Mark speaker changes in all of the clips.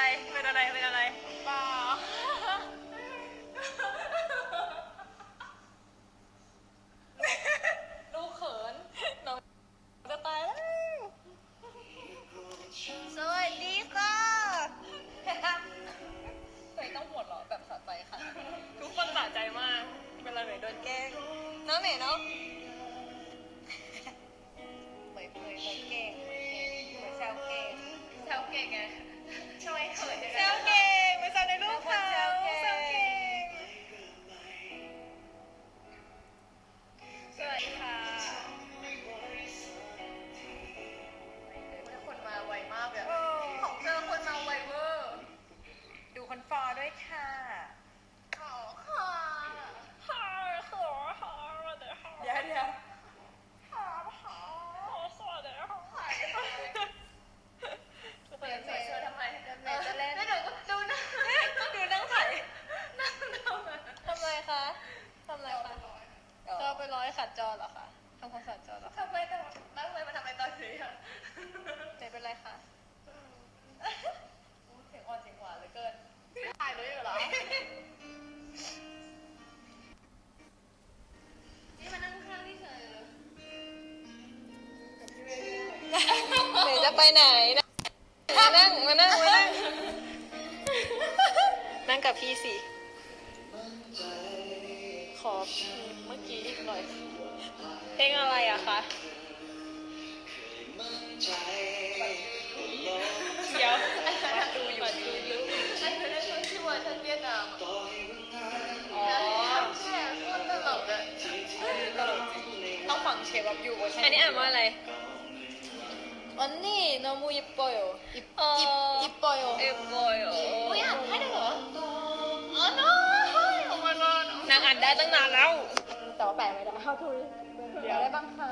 Speaker 1: อะไรเป็นอะไรเป็นอะไร
Speaker 2: เปล่าดูเขินน้องจะตายแล้ว
Speaker 1: สวัสดีค่ะ
Speaker 2: เคยต้องหมดเหรอแบบสะใจค่ะ
Speaker 1: ทุกคนสะใจมากเวลาหนูโดนแกล้งน้องเหน่เนาะเหมยเก่งเหมยแซวเก่ง
Speaker 2: แซวเก่งไงช่วยเขิน
Speaker 1: แซวเก่งเหมยแซวในรูปเขาแซวเก่งสวัสดีค่ะ
Speaker 2: คนมาไวมากเลย
Speaker 1: โอ้
Speaker 2: ของเธอคนมาไวเวอร์
Speaker 1: ดูคนฟอด้วยค่ะ
Speaker 2: ขอค่ะ
Speaker 1: เดี๋ยว
Speaker 2: สวัสดีค่ะ
Speaker 1: ทุกคนใส่เสื้อทำไม
Speaker 2: เดี๋ยวจะเล่น
Speaker 1: แล้วเดี๋ยวก็ดูนะดูนั่งไถ
Speaker 2: นั่งทำไม
Speaker 1: ทำไรคะทำไรคะจอไปร้อยขัดจอเหรอคะทำความสะอาดจอเหรอคะ
Speaker 2: ทำไมต้องนั่งเลยมาทำไมตอนนี้อ่ะ
Speaker 1: ไม่เป็นไรคะ
Speaker 2: เสียงอ่อนเสียงหวานเหลือเกินถ่ายด้วยเหรอนี่มานั่งข้างที่เฉยเลย
Speaker 1: หนูจะไปไหนนะมานั่งนั่งกับพี่สิขอเมื่อกี้อีกหน่อยเพลงอะไรอะคะเดี๋ยวมาดูอยู่
Speaker 2: ไอ้เธอได้ช่วยชื่อเวอร์ชันเวียดนาม
Speaker 1: อ๋อ
Speaker 2: แค่โคตรตลกอะ
Speaker 1: ต้องฟังเชฟแบบอยู่อันนี้อ่านว่าอะไร언니 너무 예뻐요. 이뻐요. 예뻐요.
Speaker 2: อุ้ยอ่านให้ได้เหรออ๋อ no โอ้ my god
Speaker 1: นางอ่านได้ตั้งนานแล้ว
Speaker 2: แต่ว่าแปลไม่ได้ how to เดี๋ยวได้บ้างคะ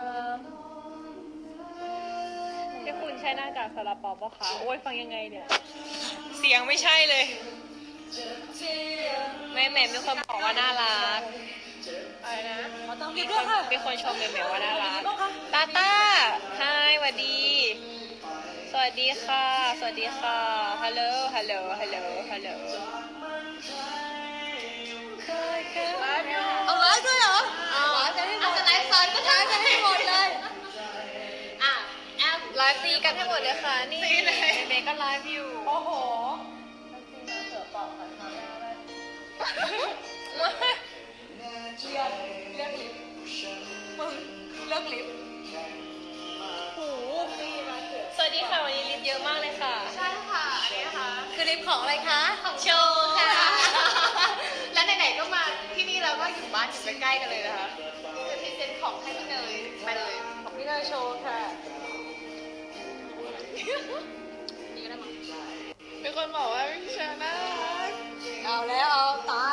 Speaker 1: ที่คุณใช้หน้ากากซาลาเปาปะคะโอ้ยฟังยังไงเนี่ย เสียงไม่ใช่เลยแม่มีคนบอกว่าน่ารัก
Speaker 2: อะไรนะเขาต้อง
Speaker 1: มีคนชมแม่ว่าน่ารักตาต้าไฮสวัสดี สวัสดีค่ะสวัสดีค่ะฮัลโหลฮัลโหลฮัลโหลฮัลโหล
Speaker 2: ไลฟ์อยู่
Speaker 1: เอาไลฟ์ด้วยเหรอ
Speaker 2: เอาจะไลฟ์ซ้อนก็ได้จะให้หมดเลยอ่ะแอป
Speaker 1: ไลฟ์ตีกันให้หมดเลยค่ะนี่
Speaker 2: ตีเลย
Speaker 1: เมย์ก็ไลฟ์อยู่
Speaker 2: โอ้โหจริงๆนะเสือเปล่าค่ะทำไม่ได้เลือกลิฟต์มึงเลือกลิฟต์
Speaker 1: สวัสดีค่ะวันนี้ลิฟต์เยอะมากเลยค่ะ
Speaker 2: ใช่ค่ะ อันนี้นะคะ
Speaker 1: คือลิฟต์ของอะไรคะ
Speaker 2: ของ
Speaker 1: โชว์ค่ะ
Speaker 2: และไหนๆก็มาที่นี่เราก็อยู่บ้านอยู่ใกล้ๆกันเลยนะคะจะพรีเซนต์ของให้พี่เนยไปเลย
Speaker 1: ของพี่เนยโชว์ค่ะ
Speaker 2: นี่ก็ได้มั้ง
Speaker 1: มีคนบอกว่าพี่เชอร์น่ารักเอาแล้วเอาตาย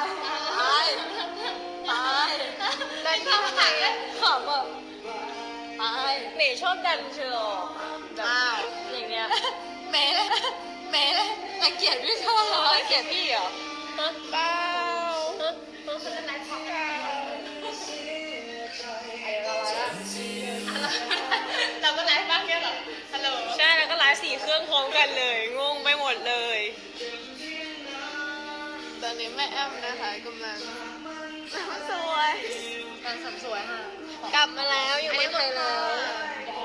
Speaker 1: ได้ที่ทำไมขำอ่ะตายเมย์ชอบดันเชอร์แบบอย่างเงี้ย
Speaker 2: เมย์เลยรังเกียจพี่ชอบเหรอ
Speaker 1: เกลียดพี่เหรอเปล่า
Speaker 2: คุณจะไลฟ์พร้อมกันเราก็ไลฟ์บ้างเนี่ยเหรอฮัลโหล
Speaker 1: ใช่แล้วก็ไลฟ์4 เครื่องพร้อมกันเลยงงไปหมดเลย
Speaker 2: ตอนนี้แม่แอมนะคะกำลังสวย
Speaker 1: การสัมสวยค่ะ
Speaker 2: ค่ะ
Speaker 1: กลับมาแล้วอยู่เมืองไทยแล้ว
Speaker 2: เดี๋ยว